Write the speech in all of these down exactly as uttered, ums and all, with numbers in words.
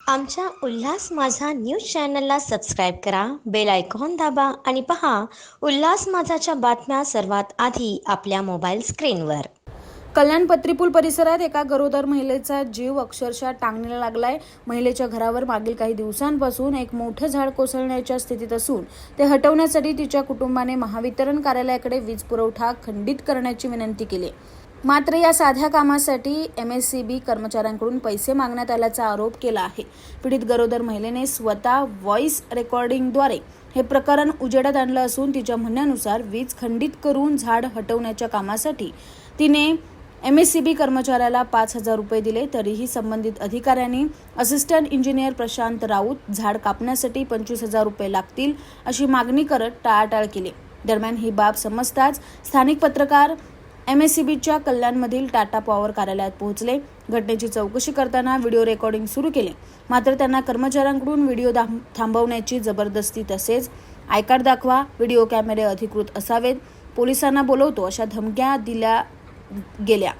आमच्या उल्हास माझा न्यूज चॅनलला सबस्क्राईब करा, बेल आयकॉन दाबा आणि पहा उल्हास माझाच्या बातम्या सर्वात आधी आपल्या मोबाईल स्क्रीनवर. कल्याण पत्रीपूल परिसरात एका गरोदर महिलेचा जीव अक्षरशः टांगणीला लागलाय. महिलेच्या घरावर मागील काही दिवसांपासून एक मोठं झाड कोसळण्याच्या स्थितीत असून ते हटवण्यासाठी तिच्या कुटुंबाने महावितरण कार्यालयाकडे वीज पुरवठा खंडित करण्याची विनंती केली. मात्र या साध्या कामासाठी एम एस सी बी कर्मचाऱ्यांकडून पैसे मागण्यात आल्याचा आरोप केला आहे. पीडित गरोदर महिलेने स्वतः व्हॉइस रेकॉर्डिंगद्वारे हे प्रकरण उजेडात आणलं असून तिच्या म्हणण्यानुसार वीज खंडित करून झाड हटवण्याच्या कामासाठी तिने एम एस सी बी कर्मचाऱ्याला पाच हजार रुपये दिले, तरीही संबंधित अधिकाऱ्यांनी असिस्टंट इंजिनियर प्रशांत राऊत झाड कापण्यासाठी पंचवीस हजार रुपये लागतील अशी मागणी करत टाळाटाळ केली. दरम्यान ही बाब समजताच स्थानिक पत्रकार एम एस सी बीच्या कल्याणमधील टाटा पॉवर कार्यालयात पोहोचले. घटनेची चौकशी करताना व्हिडिओ रेकॉर्डिंग सुरू केले. मात्र त्यांना कर्मचाऱ्यांकडून व्हिडिओ थांबवण्याची जबरदस्ती तसेच आय कार्ड दाखवा, व्हिडिओ कॅमेरे अधिकृत असावेत, पोलिसांना बोलवतो अशा धमक्या दिल्या गेल्या.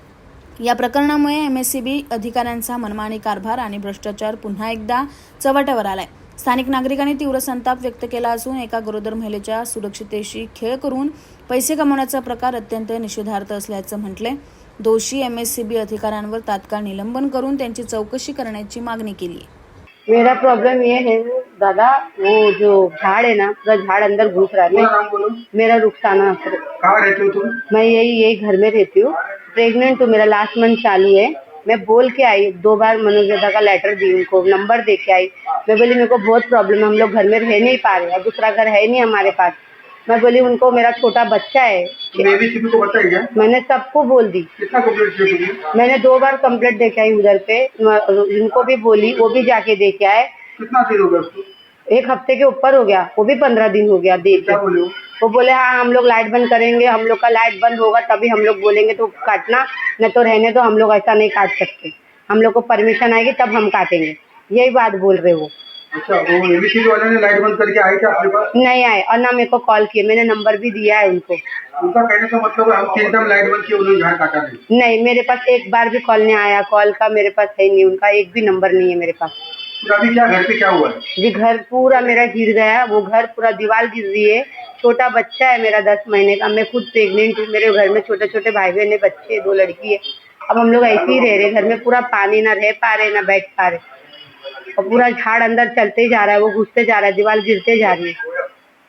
या प्रकरणामुळे एम एस सी बी अधिकाऱ्यांचा मनमानी कारभार आणि भ्रष्टाचार पुन्हा एकदा चव्हाट्यावर आलाय. स्थानिक नागरिकांनी तीव्र संताप व्यक्त केला असून एका गरोदर महिलेच्या सुरक्षितेशी खेळ करून पैसे कमवण्याचा प्रकार अत्यंत निषेधार्ह असल्याचं म्हटले. दोषी एम एस सी बी अधिकाऱ्यांवर तात्काळ निलंबन करून त्यांची चौकशी करण्याची मागणी केली. मेरा प्रॉब्लम ये है दादा, वो जो झाड़ है ना, पूरा झाड़ अंदर घुस रहा है. मैं, मेरा रुखसाना. कहाँ रहती हो तुम? मैं यही यही घर में रहती हूँ. प्रेग्नेंट हूँ, मेरा लास्ट मंथ चालू है. मैं बोल के आई, दो बार मनोज का लेटर दी, उनको नंबर दे के आई. मैं बोली मेरे को बहुत प्रॉब्लम है, हम लोग घर में रह नहीं पा रहे, दूसरा घर है नहीं हमारे पास. मैं बोली उनको मेरा छोटा बच्चा है. एबीसीबी को बताया क्या? मैंने सबको बोल दी. कितना कंप्लीट किया तुमने? मैंने दो बार कंप्लेंट दे के आई उधर पे, इनको भी बोली, वो भी जाके दे के आए. कितना देर हो गया उसको? एक हफ्ते के ऊपर हो गया, वो भी पंद्रह दिन हो गया देख. क्या बोले वो? वो बोले हाँ हम लोग लाइट बंद करेंगे, हम लोग का लाइट बंद होगा तभी हम लोग बोलेंगे तो काटना, न तो रहने दो, हम लोग ऐसा नहीं काट सकते, हम लोग को परमिशन आएगी तब हम काटेंगे. यही बात बोल रहे वो. अच्छा, वो एबीसीबी वाले ने लाइट बंद करके आए क्या आपके पास? नहीं आए और ना मेरे को कॉल किए. मैंने नंबर भी दिया है उनको. उनका कहने का मतलब है हम तीन टाइम लाइट बंद किए, उन्होंने झाड़ काटा नहीं. नहीं, मेरे पास एक बार भी कॉल नहीं आया. कॉल का मेरे पास है नहीं, उनका एक भी नंबर नहीं है मेरे पास. फिर अभी क्या घर पे क्या हुआ है? जी घर पूरा मेरा गिर गया, वो घर पूरा दीवार गिर रही है. छोटा बच्चा है मेरा दस महीने का. मैं खुद प्रेग्नेंट हूँ. मेरे घर में छोटे छोटे भाई बहन है, बच्चे दो लड़की है. अब हम लोग ऐसे ही रह रहे घर में. पूरा पानी, ना रह पा रहे ना बैठ पा रहे. और पूरा झाड़ अंदर चलते ही जा रहा है, वो घुसते जा रहा है, दीवार गिरते जा रही है.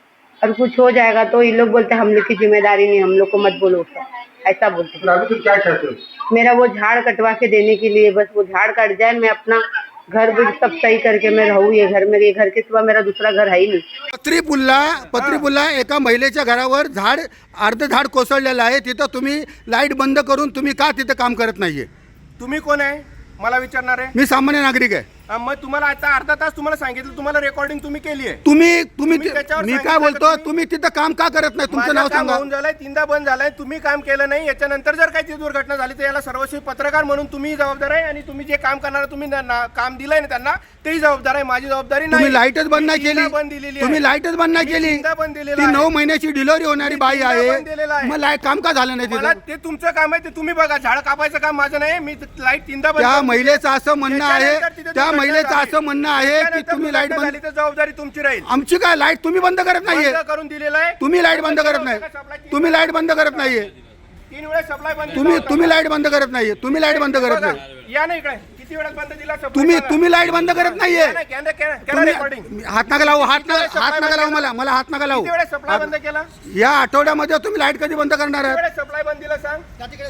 और कुछ हो जाएगा तो ये लोग बोलते हम लोग की जिम्मेदारी नहीं, हम लोग को मत बोलो, ऐसा बोलते. फिर अभी तुम क्या चाहते हो? मेरा वो झाड़ कटवा के देने के लिए, बस वो झाड़ कट जाए, मैं अपना घर भी सब सही करके मैं रहूँ. ये घर में, ये घर के सिवा मेरा दूसरा घर है ही नहीं. पत्रीपुल्ला पत्रीपुल्ला एका महिलेच्या घरावर झाड अर्ध झाड कोसळलेलं आहे. तिथं तुम्ही लाईट बंद करून तुम्ही का तिथं काम करत नाहीये? तुम्ही कोण आहे मला विचारणार आहे? मी सामान्य नागरिक आहे. हा, मग तुम्हाला आता अर्धा तास तुम्हाला सांगितलं, तुम्हाला रेकॉर्डिंग तुम्ही केली आहे. तुम्ही तुम्ही तुम्ही त्याच्यावर मी काय सांगितलं बोलतो, का तुम्ही? तुम्ही तिथं काम का करत नाही? तुमचं माझं नाव काम सांगा. होऊन झालंय, तीनदा बंद झालाय, तुम्ही काम केलं नाही. याच्यानंतर जर काही ती दुर्घटना झाली तर याला सर्वस्वी पत्रकार म्हणून तुम्ही जबाबदार आहे आणि तुम्ही जे काम करणार तुम्ही ना- ना- काम दिलंय ना त्यांना, तेही जबाबदार आहे. माझी जबाबदारी नाही. तुम्ही लाईटच बंद नाही मी केली. तीनदा बंद दिलेली आहे. तुम्ही लाईटच बंद नाही मी केली. तीनदा बंद दिलेलं ती आहे. नऊ महिन्याची डिलिव्हरी होणारी मी बाई तीनदा आहे. बंद दिलेलं आहे. मग लाईट काम का झालं नाही मला तिथं? ते तुमचं काम आहे, ते तुम्ही बघा. झाड कापायचं काम माझं नाही. मी लाईट तीनदा बंद त्या करून दिली. महिलेचं असं म्हणणं आहे, त्याच्यानंतर तिथे त्या दुर्घटना महिलेचं झाली. असं म्हणणं आहे की त्याच्यानंतर तुम्ही लाईट दुर्घटना बंद, झाली तर जबाबदारी तुमची राहील. आमची काय लाईट तुम्ही बंद करत नाहीये? बंद करून दिलेलं आहे. तुम्ही लाईट बंद करत नाही. तुम्ही लाईट बंद करत नाहीये. तीन वेळा सप्लाय बंद तुम्ही केला तुम्ही लाईट बंद करत नाहीये. तुम्ही लाईट बंद करत बघा, नाही. या ना इकडे. किती वेळा बंद दिला supply तुम्ही बघा. तुम्ही लाईट बंद करत नाहीये. या ना, कॅमेरा- कॅमेरा- कॅमेरा recording. तुम्ही हात नका लावू. हात नका किती वेळा हात supply नका लावू बंद मला मला हात नका लावू. किती वेळा सप्लाय बंद केला? या आठवड्यामध्ये तुम्ही लाईट कधी बंद करणार किती आहात? वेळा सप्लाय बंद दिला सांग?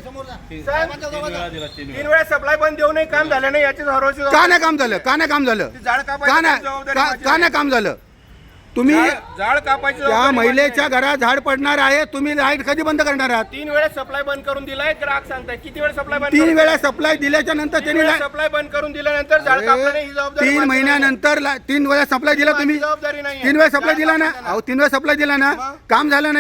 सांग. तीन वेळा सप्लाय बंद देऊनही काम झालं नाही याची सर्वस्वी का नाही काम झालं? का नाही काम झालं? ती झाड कापायची का नाही जबाबदारी का- माझी का नाही. नाही काम झालं? तुम्ही झाड- झाड कापायची त्या जबाबदारी महिलेच्या माझी घरात झाड पडणार आहे. तुम्ही लाईट कधी बंद करणार आहात? नाही. तीन वेळा सप्लाय बंद करून दिलाय. ग्राहक सांगताय किती वेळा सप्लाय बंद तीन करून वेळा दिलाय? सप्लाय दिल्याच्या नंतर तीन त्यांनी वेळा लाईट- सप्लाय बंद करून दिल्यानंतर झाड कापलं नाही ही जबाबदारी तीन माझी नाही. महिन्यानंतर ला- तीन वेळा सप्लाय दिला माझी तुम्ही. जबाबदारी नाही. तीन वेळा सप्लाय दिला ना. अहो तीन वेळा सप्लाय दिला ना. मग? काम झालं नाहीये.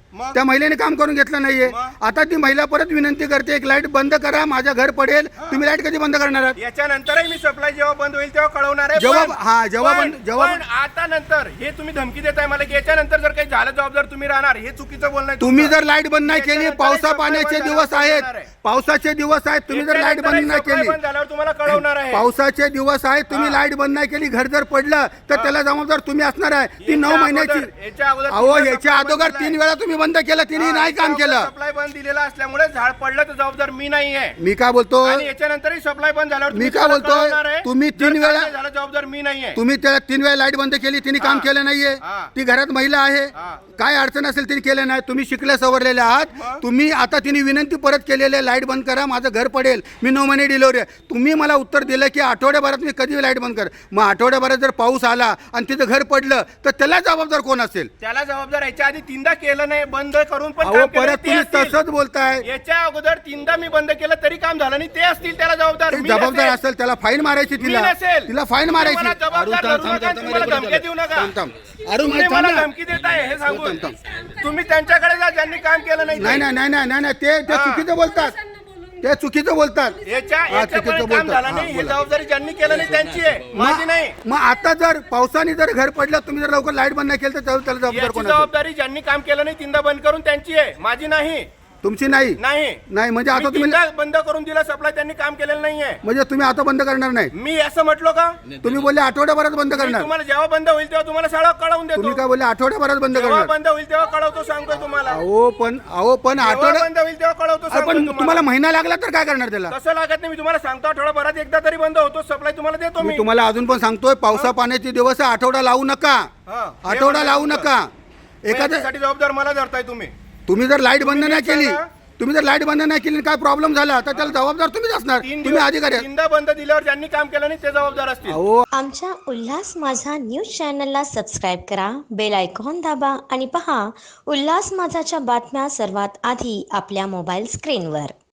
मग? त्या महिलेने काम करून घेतलं नाहीये. मग? आता ती महिला परत विनंती करते एक लाईट बंद करा, माझं घर पडेल. तुम्ही लाईट कधी बंद करणार आहात? याच्यानंतरही मी सप्लाय जेव्हा बंद होईल तेव्हा कळवणार आहे. जेव्हा- पण- हा, जेव्हा पण- बंद- जेव्हा- पण आता नंतर हे तुम्ही धमकी देताय मला की याच्यानंतर जर काही झालं जबाबदार तुम्ही राहणार, हे चुकीचं बोलणं आहे तुम्ही तुमचं. जर लाईट बंद नाही केली, याच्यानंतरही पावसा supply पाण्याचे बंद दिवस झाल्यावर आहेत, कळवणार आहे. पावसाचे दिवस आहेत, तुम्ही जर लाईट बंद नाही याच्यानंतरही केली, supply बंद झाल्यावर तुम्हाला कळवणार आहे. पावसाचे दिवस आहेत, तुम्ही लाईट बंद नाही केली, घर जर पडलं तर त्याला जबाबदार तुम्ही असणार आहे. ती नऊ याच्या महिन्याची अगोदर- याच्या अगोदर अहो तीनदा याच्या supply बंद अगोदर दिलाय. तीन वेळा तुम्ही बंद केलं, तिने नाही काम केलं. सप्लाय बंद दिलेला असल्यामुळे झाड पडलं तर जबाबदार मी नाही आहे. मी काय बोलतो, आणि याच्यानंतरही सप्लाय बंद झाल्यावर मी तुम्ही काय मला बोलतोय, कळवणार आहे. तुम्ही जर तीन काय वेळा- नाही झालं जबाबदार मी नाही आहे. तुम्ही त्याला तीन वेळा लाईट बंद केली, तिने काम हा. केलं नाहीये. हा. ती घरात महिला आहे, हा. काय अडचण असेल तिने केलं नाही. तुम्ही शिकल्या सवरलेले आहात. मग? तुम्ही आता तिने विनंती परत केलेली आहे, लाईट बंद करा, माझं घर पडेल, मी नऊ महिने डिलिव्हरी आहे. तुम्ही मला उत्तर दिलं की आठवड्याभरात मी कधी लाईट बंद कर. मग आठवड्याभरात जर पाऊस आला आणि तिथं घर पडलं तर त्याला जबाबदार कोण असेल? त्याला जबाबदार याच्या आधी तीनदा केलं नाही, बंद करून पण अहो काम केलं परत ते तुम्ही असतील. तसंच बोलताय. याच्या अगोदर तीनदा मी बंद केलं तरी काम झालं नाही, ते असतील त्याला जबाबदार. ते मी जबाबदार नसेल. असेल, त्याला फाईन मारायची, मी तिला नसेल. तिला फाईन तुम्ही मारायची. मला जबाबदार अरुण, थांब, धरू थांब, नका, थांब, तुम्ही मला थांब, धमक्या देऊ नका. थांब, थांब. अरुण, तुम्ही थांब मला ना. धमकी देताय हे सांगून. थांब, थांब. तुम्ही त्यांच्याकडे जा ज्यांनी काम केलं नाही नाही ते. नाही नाही नाही नाही नाही, ते ते हा. चुकीचं बोलतात, ते चुकीचं बोलतात. याच्या हा, याच्यापर्यंत चुकीचं काम बोलतात. झालं हा, नाही, ही बोला. जबाबदारी ज्यांनी केलं नाही त्यांची आहे, माझी नाही. मग मग आता जर पावसाने जर घर पडलं, तुम्ही जर लवकर लाईट बंद नाही केलं तर त्याला त्याला जबाबदार याची कोण असेल? जबाबदारी ज्यांनी काम केलं नाही तीनदा बंद करून त्यांची आहे, माझी नाही. तुमची नाही नाही नाही म्हणजे आता मी तुम्ही तीनदा बंद करून दिला सप्लाय, त्यांनी काम केलेलं नाहीये. म्हणजे तुम्ही आता बंद करणार नाही? मी असं म्हटलो का? तुम्ही बोलले आठवड्याभरात बंद मी करणार. तुम्हाला जेव्हा बंद होईल तेव्हा तुम्हाला सगळं कळवून तुम्ही देतो. काय बोलले आठवड्याभरात बंद जेव्हा करणार? बंद होईल तेव्हा कळवतो, सांगतोय तुम्हाला. अहो पण अहो पण जेव्हा आठवड्या बंद होईल तेव्हा कळवतो, अरे, सांगतोय पण तुम्हाला. तुम्हाला महिना लागला तर काय करणार त्याला? तसं लागत नाही, मी तुम्हाला सांगतो आठवड्याभरात एकदा तरी बंद होतो सप्लाय, तुम्हाला देतो मी मी. तुम्हाला अजून पण सांगतोय, पावसा पाण्याचे दिवस आहे, आठवडा लावू नका. हा. आठवडा लावू नका. एखाद्या एखाद्यासाठी जबाबदार मला धरताय तुम्ही. तुम्ही जर लाईट बंद तुम्ही नाही केली, सांगा. तुम्ही जर लाईट बंद नाही केली, काय प्रॉब्लेम झाला तर त्याला जबाबदार तुम्हीच असणार. तीन तुम्ही दिवस अधिकारी आहात. तीनदा बंद दिल्यावर ज्यांनी काम केलं नाही ते जबाबदार असतील. अहो आमच्या उल्हास माझा न्यूज चॅनलला सबस्क्राईब करा, बेल आयकॉन दाबा आणि पहा उल्हास माझाच्या बातम्या सर्वात आधी आपल्या मोबाईल स्क्रीनवर.